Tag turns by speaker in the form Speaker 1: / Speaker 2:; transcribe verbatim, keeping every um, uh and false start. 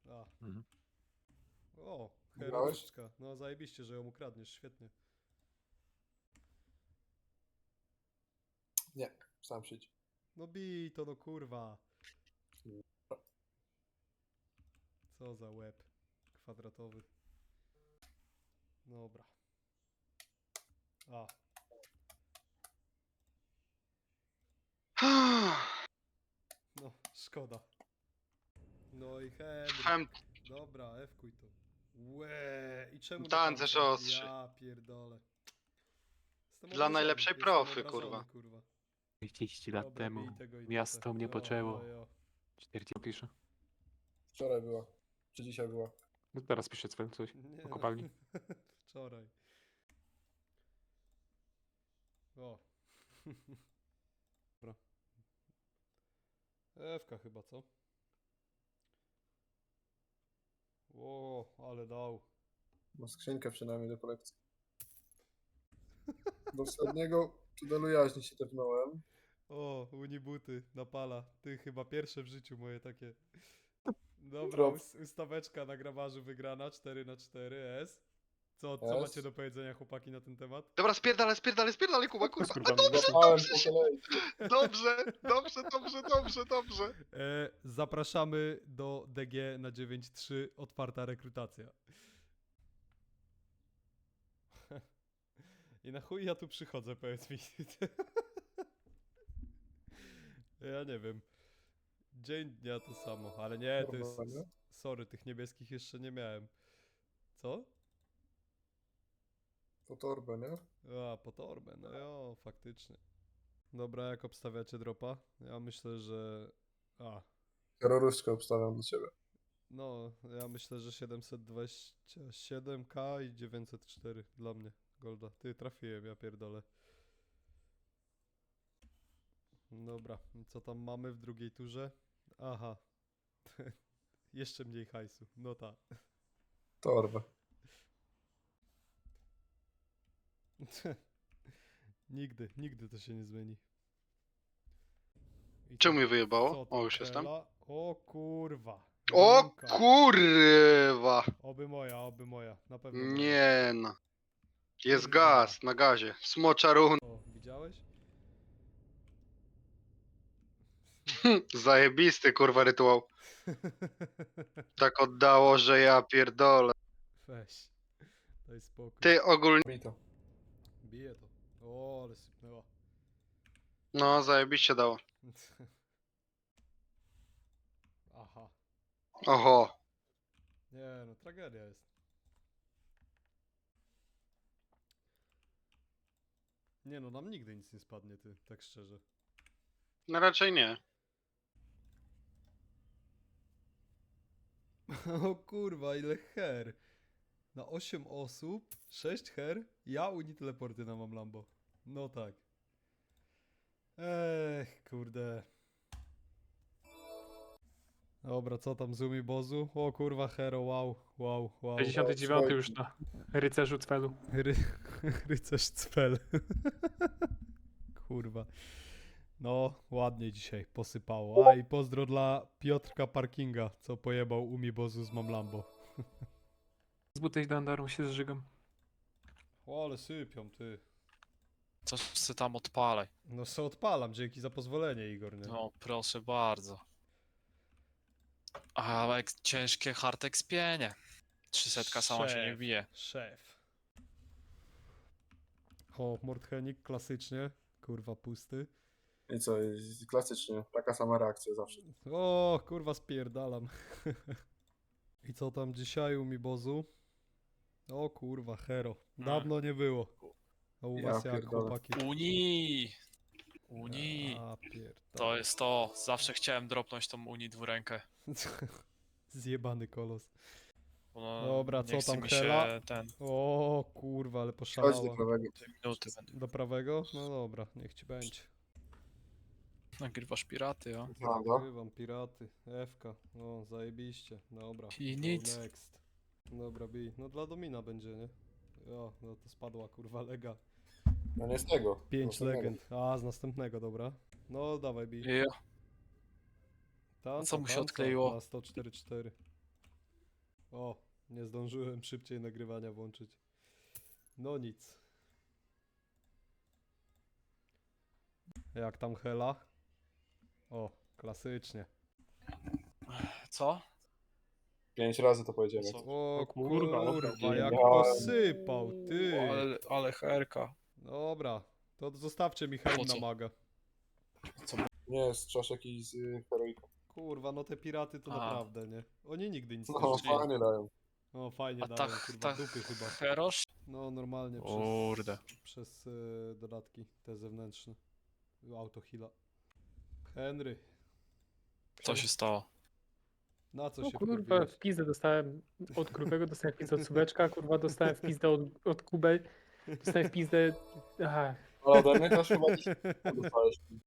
Speaker 1: A.
Speaker 2: Mhm.
Speaker 1: O,
Speaker 3: Grałeś?
Speaker 1: heroiczka. No zajebiście, że ją ukradniesz, świetnie.
Speaker 3: Nie, sam przyjdź.
Speaker 1: No bij to, no kurwa. Co za łeb kwadratowy. Dobra. A. No, szkoda. No i Henry.
Speaker 4: Hem,
Speaker 1: Dobra, F-kuj to. Łe. I czemu na
Speaker 4: Tancerz
Speaker 1: tance?
Speaker 4: ostrzy.
Speaker 1: Ja pierdolę. Jestem
Speaker 4: Dla
Speaker 1: obrażony,
Speaker 4: najlepszej
Speaker 1: jestem
Speaker 4: profy,
Speaker 1: obrażony,
Speaker 4: kurwa.
Speaker 1: kurwa.
Speaker 2: trzydzieści lat
Speaker 1: Dobra,
Speaker 2: temu
Speaker 1: bij tego i
Speaker 2: miasto
Speaker 1: tyle.
Speaker 2: mnie
Speaker 1: No,
Speaker 2: poczęło.
Speaker 1: jo.
Speaker 2: czterdzieści pisze.
Speaker 3: Wczoraj była. Czy dzisiaj była?
Speaker 2: No teraz piszę cwel coś.
Speaker 1: Nie,
Speaker 2: Po kopalni.
Speaker 1: Wczoraj. O. Dobra. Ewka chyba, co? O, ale dał.
Speaker 3: Ma skrzynkę przynajmniej do kolekcji. Do ostatniego tunelu jaźni się tepnąłem.
Speaker 1: O, unibuty, napala. Ty chyba pierwsze w życiu moje takie. Dobra,
Speaker 3: Drop.
Speaker 1: us ustaweczka na grabarzu wygrana, cztery na cztery, S. Co, co
Speaker 3: S.
Speaker 1: macie do powiedzenia, chłopaki, na ten temat?
Speaker 4: Dobra, spierdalaj, spierdalaj, spierdalaj, Kuba, kurwa.
Speaker 2: Kurwa,
Speaker 3: Zapałem po kolei.
Speaker 4: Dobrze, dobrze, dobrze, dobrze, dobrze.
Speaker 1: E, zapraszamy do D G na dziewięć trzy, otwarta rekrutacja. I na chuj ja tu przychodzę, powiedz mi. Ja nie wiem. Dzień dnia to samo, ale nie, to jest...
Speaker 3: Kurwa, nie?
Speaker 1: Sorry, tych niebieskich jeszcze nie miałem. Co?
Speaker 3: Po torbę, nie?
Speaker 1: A, po torbę, no jo, faktycznie. Dobra, jak obstawiacie dropa? Ja myślę, że... A,
Speaker 3: Terrorystkę obstawiam do ciebie.
Speaker 1: no, ja myślę, że siedemset dwadzieścia siedem K i dziewięćset cztery dla mnie, Golda. Ty, trafiłem, ja pierdolę. Dobra, i co tam mamy w drugiej turze? Aha. Jeszcze mniej hajsu, no ta.
Speaker 3: Torbę.
Speaker 1: Nigdy, nigdy to się nie zmieni. I
Speaker 4: Czemu
Speaker 1: co-
Speaker 4: mnie wyjebało?
Speaker 1: co tam,
Speaker 4: O, już jestem.
Speaker 1: Hela? O kurwa.
Speaker 4: O
Speaker 1: Jedynka.
Speaker 4: kurwa.
Speaker 1: Oby moja, oby moja, na pewno moja.
Speaker 4: Nie no. Jest
Speaker 1: Kurwa.
Speaker 4: gaz na gazie. Smocza run.
Speaker 1: O, widziałeś?
Speaker 4: Zajebisty, kurwa, rytuał. Tak oddało, że ja pierdolę.
Speaker 1: Weź. Daj spokój.
Speaker 4: Ty ogólnie...
Speaker 3: Mi to.
Speaker 1: Bije to. O, ale sypnęła.
Speaker 4: No, zajebiście dało.
Speaker 1: Aha.
Speaker 4: Oho.
Speaker 1: Nie no, tragedia jest. Nie no, nam nigdy nic nie spadnie, ty, tak szczerze.
Speaker 4: No raczej nie.
Speaker 1: O kurwa, ile her. Na osiem osób, sześć her, ja uni teleporty na mam Lambo. No tak. Ech, kurde. Dobra, co tam z Umi Bozu? O kurwa, hero, wow, wow, wow.
Speaker 2: sześćdziesiąty dziewiąty już na rycerzu cwelu.
Speaker 1: Ry rycerz cpel. Kurwa. No, ładnie dzisiaj posypało. A i pozdro dla Piotrka Parkinga, co pojebał Umi Bozu z Mam Lambo.
Speaker 2: Z butej dandarą się zżygam.
Speaker 1: O, ale sypią, ty.
Speaker 5: Coś se tam odpalaj.
Speaker 1: No se odpalam, dzięki za pozwolenie, Igor, nie?
Speaker 5: No, proszę bardzo. Ale jak ciężkie hard expienie. trzysta sama się nie
Speaker 1: Szef,
Speaker 5: bije.
Speaker 1: Szef. O, Mordhenik klasycznie. Kurwa, pusty.
Speaker 3: I co, i klasycznie. Taka sama reakcja zawsze.
Speaker 1: O, kurwa, spierdalam. I co tam dzisiaj u mi Bozu? O kurwa, hero. Dawno nie było. A u
Speaker 3: Ja
Speaker 1: was jak,
Speaker 3: pierdolę.
Speaker 1: chłopaki?
Speaker 5: Unii! Unii!
Speaker 1: A, pierdolę.
Speaker 5: To jest to. Zawsze chciałem dropnąć tą Unii dwurękę.
Speaker 1: Zjebany kolos.
Speaker 5: Bo
Speaker 1: Dobra,
Speaker 5: nie
Speaker 1: co
Speaker 5: chce
Speaker 1: tam,
Speaker 5: mi
Speaker 1: Hela?
Speaker 5: się ten...
Speaker 1: O kurwa, ale
Speaker 3: Chodź do
Speaker 1: poszalała.
Speaker 3: prawego.
Speaker 5: Dwie minuty będę.
Speaker 1: Do prawego? No dobra, niech ci będzie.
Speaker 5: Nagrywasz piraty, o.
Speaker 3: Prawda?
Speaker 1: Nagrywam piraty. F-ka. O, zajebiście. Dobra.
Speaker 5: I
Speaker 1: go
Speaker 5: nic.
Speaker 1: Next. Dobra, bij. No dla Domina będzie, nie? O, no to spadła kurwa lega.
Speaker 3: No nie z tego.
Speaker 1: Pięć
Speaker 3: z następnego.
Speaker 1: legend. A, z następnego, dobra. No dawaj bij.
Speaker 5: Ja.
Speaker 1: Tanca,
Speaker 5: co mu się
Speaker 1: tanca
Speaker 5: odkleiło?
Speaker 1: Na sto cztery cztery. O, nie zdążyłem szybciej nagrywania włączyć. No nic. Jak tam Hela? O, klasycznie.
Speaker 5: Co?
Speaker 3: Pięć razy to powiedziałem.
Speaker 5: Co?
Speaker 1: O
Speaker 2: O kurwa,
Speaker 1: kurwa,
Speaker 2: dobra.
Speaker 1: jak
Speaker 3: Ja-
Speaker 1: posypał, ty.
Speaker 5: Ale, ale herka.
Speaker 1: Dobra, to zostawcie mi Hel
Speaker 5: Po
Speaker 1: na
Speaker 5: co?
Speaker 1: maga.
Speaker 3: Nie, z czaszek i z y, heroiką.
Speaker 1: Kurwa, no te piraty to
Speaker 5: A.
Speaker 1: naprawdę, nie? Oni nigdy nic nie
Speaker 3: No,
Speaker 1: rzucili.
Speaker 3: fajnie dają.
Speaker 1: O, fajnie
Speaker 5: A
Speaker 1: dają,
Speaker 5: tak,
Speaker 1: kurwa,
Speaker 5: tak,
Speaker 1: dupy chyba.
Speaker 5: Herosz?
Speaker 1: No, normalnie przez,
Speaker 5: Kurde.
Speaker 1: przez y, dodatki, te zewnętrzne. Autohila. Henry,
Speaker 5: Co się stało?
Speaker 1: na co
Speaker 2: No
Speaker 1: się
Speaker 2: kurwa,
Speaker 1: wkurwiłeś?
Speaker 2: w pizdę dostałem od grubego, dostałem w pizdę od subeczka, kurwa, dostałem w pizdę od, od kubel, dostałem w pizdę... Aha,
Speaker 3: Ale ode mnie też chyba dziś dostałeś.